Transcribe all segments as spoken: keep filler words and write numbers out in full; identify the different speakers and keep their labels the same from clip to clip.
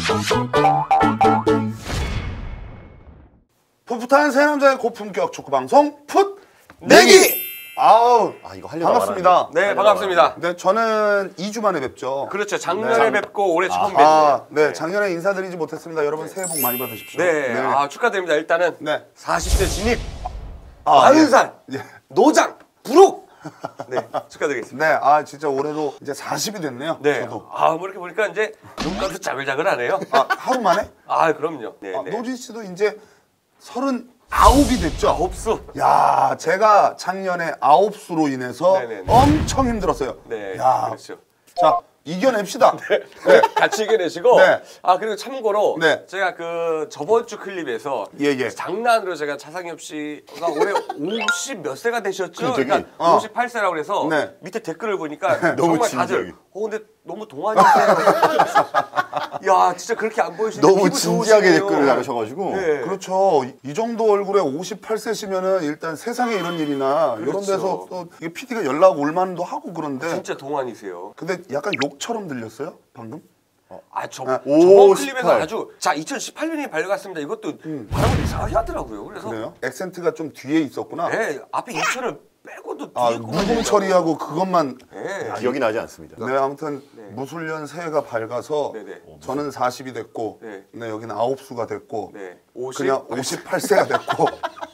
Speaker 1: 풋풋한 세 남자의 고품격 축구 방송 풋 내기. 아우,
Speaker 2: 아 이거 하려고
Speaker 1: 반갑습니다.
Speaker 3: 네, 반갑습니다.
Speaker 1: 네, 저는 이 주 만에 뵙죠.
Speaker 3: 그렇죠. 작년에
Speaker 1: 네.
Speaker 3: 뵙고 올해 처음 뵙네요.
Speaker 1: 아, 네, 작년에 인사드리지 못했습니다. 여러분 새해 복 많이 받으십시오.
Speaker 3: 네, 아 축하드립니다. 일단은
Speaker 1: 네.
Speaker 3: 사십 세 진입,
Speaker 1: 아,
Speaker 3: 마흔 살,
Speaker 1: 예.
Speaker 3: 노장, 부록. 네, 축하드리겠습니다.
Speaker 1: 네, 아 진짜 올해도 이제 사십이 됐네요.
Speaker 3: 네,
Speaker 1: 저도.
Speaker 3: 아 뭐 이렇게 보니까 이제 눈가도 자글자글하네요.
Speaker 1: 아, 하루 만에?
Speaker 3: 아, 그럼요. 네,
Speaker 1: 아,
Speaker 3: 네.
Speaker 1: 노진 씨도 이제 서른아홉이 됐죠.
Speaker 3: 아홉 수.
Speaker 1: 야, 제가 작년에 아홉 수로 인해서
Speaker 3: 네네네.
Speaker 1: 엄청 힘들었어요.
Speaker 3: 네,
Speaker 1: 야,
Speaker 3: 그렇죠.
Speaker 1: 자 이겨냅시다.
Speaker 3: 네, 같이 이겨내시고.
Speaker 1: 네.
Speaker 3: 아 그리고 참고로
Speaker 1: 네.
Speaker 3: 제가 그 저번 주 클립에서
Speaker 1: 예, 예.
Speaker 3: 장난으로 제가 차상엽 씨가 올해 오십 몇 세가 되셨죠?
Speaker 2: 갑자기?
Speaker 3: 그러니까
Speaker 1: 어.
Speaker 3: 오십팔 세라고 그래서
Speaker 1: 네.
Speaker 3: 밑에 댓글을 보니까
Speaker 2: 너무
Speaker 3: 정말
Speaker 2: 진지하게.
Speaker 3: 다들 어 근데 너무 동안이세요. 야 진짜 그렇게 안 보이시는데
Speaker 2: 너무
Speaker 3: 피부
Speaker 2: 진지하게
Speaker 3: 좋으시네요.
Speaker 2: 댓글을 달으셔가지고
Speaker 3: 네.
Speaker 1: 그렇죠. 이- 이 정도 얼굴에 오십팔 세시면은 일단 세상에 이런 일이나 이런
Speaker 3: 그렇죠.
Speaker 1: 데서 또 이게 피디가 연락 올 만도 하고 그런데
Speaker 3: 진짜 동안이세요.
Speaker 1: 근데 약간 욕처럼 들렸어요 방금?
Speaker 3: 아, 저,
Speaker 1: 아,
Speaker 3: 저번
Speaker 2: 오,
Speaker 3: 클립에서
Speaker 2: 십팔.
Speaker 3: 아주 자 이천십팔 년이 밝았습니다. 이것도 발음을 이상하게 하더라고요. 그래서
Speaker 1: 그래요? 액센트가 좀 뒤에 있었구나.
Speaker 3: 네, 앞에 이천을 빼고도 뒤에
Speaker 1: 아,
Speaker 3: 거만
Speaker 1: 무공
Speaker 3: 얘기하고.
Speaker 1: 처리하고 그것만.
Speaker 3: 네.
Speaker 2: 기억이 나지 않습니다.
Speaker 1: 네, 아무튼
Speaker 3: 네.
Speaker 1: 무술년 새해가 밝아서
Speaker 3: 네네.
Speaker 1: 저는 사십이 됐고,
Speaker 3: 네.
Speaker 1: 네, 여기는 아홉 수가 됐고,
Speaker 3: 네. 오십.
Speaker 1: 그냥 오십팔 세가 됐고.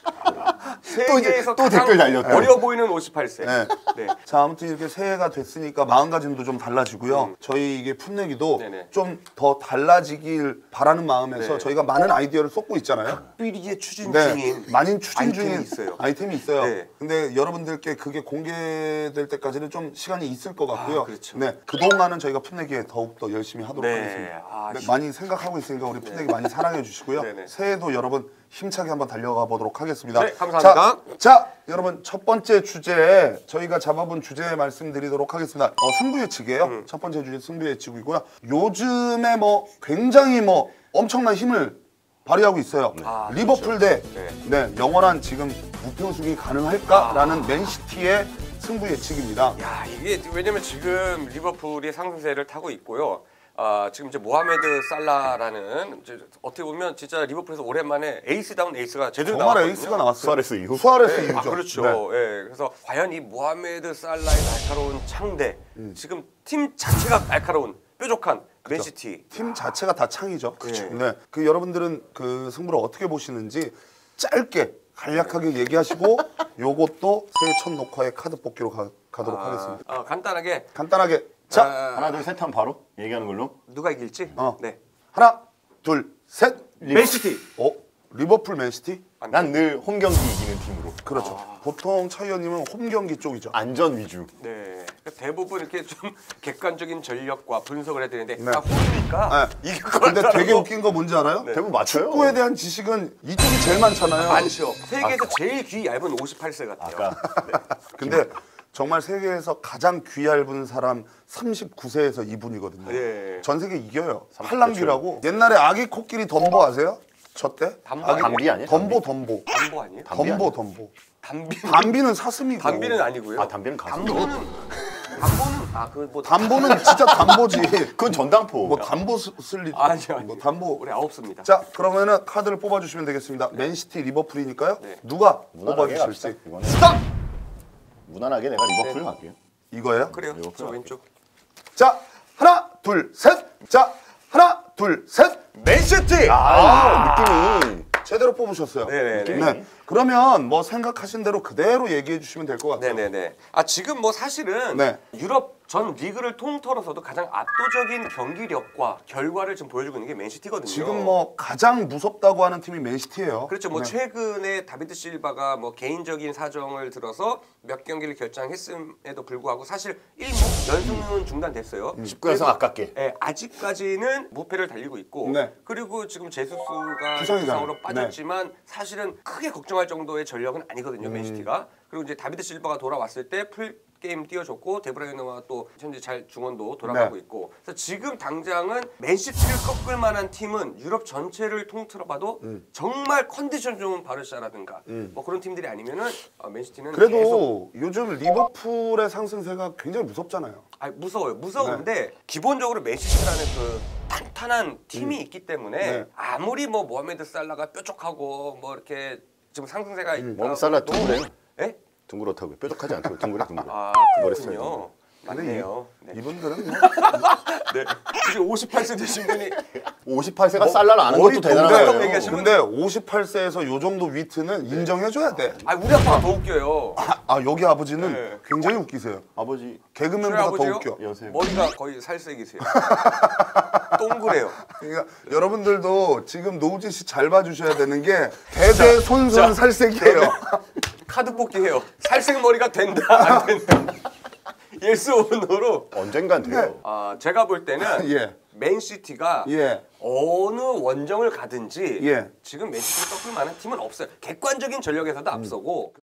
Speaker 3: 세계에서
Speaker 2: 또
Speaker 3: 가장
Speaker 2: 댓글 달렸다.
Speaker 3: 어려 보이는 오십팔 세.
Speaker 1: 네.
Speaker 3: 네.
Speaker 1: 자, 아무튼 이렇게 새해가 됐으니까 마음가짐도 좀 달라지고요. 저희 이게 풋내기도
Speaker 3: 음. 네네.
Speaker 1: 좀 더 달라지길 바라는 마음에서
Speaker 3: 네.
Speaker 1: 저희가 많은 아이디어를 쏟고 있잖아요.
Speaker 3: 삐리의 추진
Speaker 1: 네,
Speaker 3: 중인
Speaker 1: 많은 추진
Speaker 3: 아이템이
Speaker 1: 중인
Speaker 3: 있어요.
Speaker 1: 아이템이 있어요.
Speaker 3: 네.
Speaker 1: 근데 여러분들께 그게 공개될 때까지는 좀 시간이 있을 것 같고요.
Speaker 3: 아, 그렇죠.
Speaker 1: 네, 그동안은 저희가 풋내기에 더욱더 열심히 하도록
Speaker 3: 네.
Speaker 1: 하겠습니다.
Speaker 3: 아,
Speaker 1: 네,
Speaker 3: 시-
Speaker 1: 많이 생각하고 있으니까 우리 풋내기 많이 사랑해 주시고요.
Speaker 3: 네네.
Speaker 1: 새해도 여러분 힘차게 한번 달려가 보도록 하겠습니다.
Speaker 3: 네, 감사합니다.
Speaker 1: 자, 자, 여러분 첫 번째 주제 저희가 잡아본 주제 말씀드리도록 하겠습니다. 어, 승부 예측이에요.
Speaker 3: 음.
Speaker 1: 첫 번째 주제 승부 예측이고요. 요즘에 뭐 굉장히 뭐 엄청난 힘을 발휘하고 있어요.
Speaker 3: 아,
Speaker 1: 리버풀 대
Speaker 3: 네.
Speaker 1: 네, 영원한 지금 무표수기 가능할까라는 맨시티의 승부 예측입니다.
Speaker 3: 야 이게 왜냐면 지금 리버풀이 상승세를 타고 있고요. 아 지금 이제 모하메드 살라라는 이제 어떻게 보면 진짜 리버풀에서 오랜만에 에이스다운 에이스가 제대로
Speaker 1: 정말
Speaker 3: 나왔거든요.
Speaker 1: 에이스가 나왔어요.
Speaker 2: 수아레스 이후?
Speaker 1: 수아레스
Speaker 3: 네,
Speaker 1: 이후죠.
Speaker 3: 아, 그렇죠.
Speaker 1: 네.
Speaker 3: 예, 그래서 과연 이 모하메드 살라의 날카로운 창대,
Speaker 1: 음.
Speaker 3: 지금 팀 자체가 날카로운 뾰족한 맨시티.
Speaker 1: 팀 자체가 다 창이죠.
Speaker 3: 그렇죠.
Speaker 1: 네. 그 여러분들은 그 승부를 어떻게 보시는지 짧게 간략하게 얘기하시고 요것도 새해 첫 녹화의 카드 뽑기로 가, 가도록 하겠습니다.
Speaker 3: 아, 간단하게
Speaker 1: 간단하게 자
Speaker 3: 아,
Speaker 2: 하나 둘 셋 하면 바로 얘기하는 걸로.
Speaker 3: 누가 이길지.
Speaker 1: 어.
Speaker 3: 네.
Speaker 1: 하나 둘 셋.
Speaker 3: 맨시티.
Speaker 1: 어 리버풀 맨시티?
Speaker 2: 난 늘 홈 경기 이기는 팀으로.
Speaker 1: 그렇죠. 보통 차 의원님은 홈 경기 쪽이죠.
Speaker 2: 안전 위주.
Speaker 3: 네. 대부분 이렇게 좀 객관적인 전력과 분석을 해드리는데
Speaker 1: 네.
Speaker 3: 아, 홈이니까
Speaker 1: 네.
Speaker 3: 이길 것
Speaker 1: 근데
Speaker 3: 같다라고.
Speaker 1: 되게 웃긴 거 뭔지 알아요?
Speaker 2: 대부분 맞춰요.
Speaker 1: 축구에 대한 지식은 이쪽이 제일 많잖아요.
Speaker 3: 많죠. 세계에서 제일 귀 얇은 오십팔 세 같아요.
Speaker 2: 아까
Speaker 1: 근데 정말 세계에서 가장 귀 얇은 사람 삼십구 세에서 이분이거든요.
Speaker 3: 예.
Speaker 1: 전 세계 이겨요.
Speaker 2: 삼십구
Speaker 1: 팔랑귀라고. 옛날에 아기 코끼리 덤보 아세요? 저 때?
Speaker 3: 담보
Speaker 1: 아기-
Speaker 2: 담비 아니에요?
Speaker 1: 덤보 덤보.
Speaker 3: 담보 아니에요?
Speaker 2: 담비
Speaker 1: 덤보
Speaker 2: 아니에요?
Speaker 1: 덤보.
Speaker 3: 담비.
Speaker 1: 담비는 사슴이고.
Speaker 3: 담비는 아니고요.
Speaker 2: 아 담비는 가수.
Speaker 3: 담보는 담보는 아그뭐
Speaker 1: 담보는 진짜 담보지.
Speaker 2: 그건 전당포.
Speaker 1: 뭐 담보 쓰- 쓸 일.
Speaker 3: 아니요, 아니요.
Speaker 1: 뭐 담보.
Speaker 3: 우리 아홉 수입니다.
Speaker 1: 자 그러면은 카드를 뽑아주시면 되겠습니다. 맨시티 리버풀이니까요.
Speaker 3: 네.
Speaker 1: 누가
Speaker 2: 무난하게 갑시다.
Speaker 1: 뽑아주실지.
Speaker 2: 이거는
Speaker 3: 스톱.
Speaker 2: 무난하게 내가 리버풀
Speaker 3: 네.
Speaker 2: 갈게요.
Speaker 1: 이거예요?
Speaker 3: 그래요.
Speaker 2: 리버풀
Speaker 3: 저
Speaker 2: 할게요.
Speaker 3: 왼쪽.
Speaker 1: 자 하나 둘 셋. 자 하나 둘 셋.
Speaker 3: 맨시티.
Speaker 2: 아, 느낌이.
Speaker 1: 제대로 뽑으셨어요.
Speaker 3: 네네네.
Speaker 1: 네. 그러면 뭐 생각하신 대로 그대로 얘기해 주시면 될 것 같아요.
Speaker 3: 네네네. 아 지금 뭐 사실은
Speaker 1: 네.
Speaker 3: 유럽 전 리그를 통틀어서도 가장 압도적인 경기력과 결과를 지금 보여주고 있는 게 맨시티거든요.
Speaker 1: 지금 뭐 가장 무섭다고 하는 팀이 맨시티예요.
Speaker 3: 그렇죠. 뭐
Speaker 1: 네.
Speaker 3: 최근에 다비드 실바가 뭐 개인적인 사정을 들어서 몇 경기를 결장했음에도 불구하고 사실 일 무 연승은 중단됐어요.
Speaker 2: 십구 연승 아깝게.
Speaker 3: 예, 아직까지는 무패를 달리고 있고
Speaker 1: 네.
Speaker 3: 그리고 지금 제수스가
Speaker 1: 부상이잖아요.
Speaker 3: 부상으로 빠졌지만 사실은 크게 걱정할 정도의 전력은 아니거든요.
Speaker 1: 음.
Speaker 3: 맨시티가. 그리고 이제 다비드 실바가 돌아왔을 때 풀 게임 뛰어줬고 데브라이너가 또 현재 잘 중원도 돌아가고
Speaker 1: 네.
Speaker 3: 있고 그래서 지금 당장은 맨시티를 꺾을 만한 팀은 유럽 전체를 통틀어봐도
Speaker 1: 음.
Speaker 3: 정말 컨디션 좋은 바르샤라든가 뭐 그런 팀들이 아니면은 어, 맨시티는 계속
Speaker 1: 그래도 요즘 리버풀의 상승세가 굉장히 무섭잖아요.
Speaker 3: 아 무서워요. 무서운데 기본적으로 맨시티라는 그 탄탄한 팀이 있기 때문에
Speaker 1: 네.
Speaker 3: 아무리 뭐 모하메드 살라가 뾰족하고 뭐 이렇게 지금 상승세가 있다.
Speaker 2: 모하메드 살라 둥그래요.
Speaker 3: 예?
Speaker 2: 둥그렇다고요. 뾰족하지 않다고 둥그래 둥그래.
Speaker 3: 아
Speaker 2: 머리
Speaker 3: 그렇군요. 맞네요. 네.
Speaker 1: 이분들은 뭐
Speaker 3: 네. 지금 오십팔 세 되신 분이
Speaker 2: 오십팔 세가 살라를 아는 것도 대단한
Speaker 3: 동그랗다고
Speaker 2: 거예요.
Speaker 3: 얘기하시면-
Speaker 1: 근데 오십팔 세에서 요 정도 위트는 인정해줘야 돼.
Speaker 3: 아 우리 아빠가 더 웃겨요.
Speaker 1: 아, 아, 여기 아버지는
Speaker 3: 네.
Speaker 1: 굉장히 웃기세요.
Speaker 2: 아버지
Speaker 1: 개그맨보다 더
Speaker 3: 아버지요?
Speaker 1: 웃겨.
Speaker 2: 여세요.
Speaker 3: 머리가 거의 살색이세요. 동그래요.
Speaker 1: 그러니까 여러분들도 지금 노우진 씨 잘 봐주셔야 되는 게 대대손손 살색이에요.
Speaker 3: 카드 뽑기 해요. 살색 머리가 된다 안 된다. 예스 오노로.
Speaker 2: 언젠간 돼요.
Speaker 3: 아 제가 볼 때는
Speaker 1: 예.
Speaker 3: 맨시티가
Speaker 1: 예.
Speaker 3: 어느 원정을 가든지
Speaker 1: 예.
Speaker 3: 지금 맨시티를 꺾을 만한 팀은 없어요. 객관적인 전력에서도 앞서고